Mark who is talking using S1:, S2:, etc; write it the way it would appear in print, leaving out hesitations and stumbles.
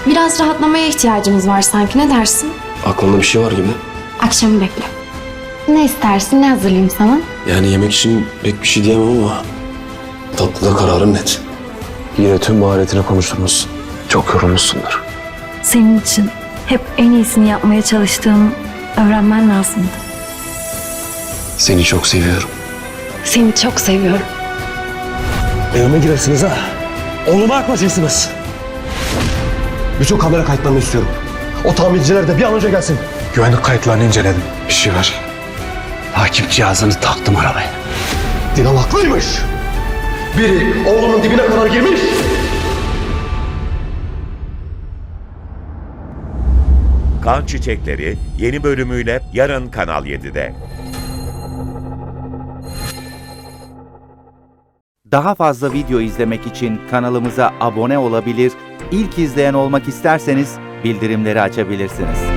S1: Biraz rahatlamaya ihtiyacımız var sanki, ne dersin?
S2: Aklında bir şey var gibi.
S1: Akşamı bekle. Ne istersin, ne hazırlayayım sana?
S2: Yani yemek için pek bir şey diyemem ama tatlıda kararım net. Yine tüm maharetini konuşturmuşsun. Çok yorulmuşsundur.
S3: Senin için hep en iyisini yapmaya çalıştığımı öğrenmen lazımdı.
S2: Seni çok seviyorum.
S1: Seni çok seviyorum.
S4: Evime girersiniz ha. Oğlumu yaklaşırsınız. Bütün kamera kayıtlarını istiyorum. O tamirciler de bir an önce gelsin.
S5: Güvenlik kayıtlarını inceledim. Bir şey var. Takip cihazını taktım arabaya.
S4: Dilan haklıymış. Biri oğlumun dibine kadar girmiş.
S6: Kan Çiçekleri yeni bölümüyle yarın Kanal 7'de.
S7: Daha fazla video izlemek için kanalımıza abone olabilir, ilk izleyen olmak isterseniz bildirimleri açabilirsiniz.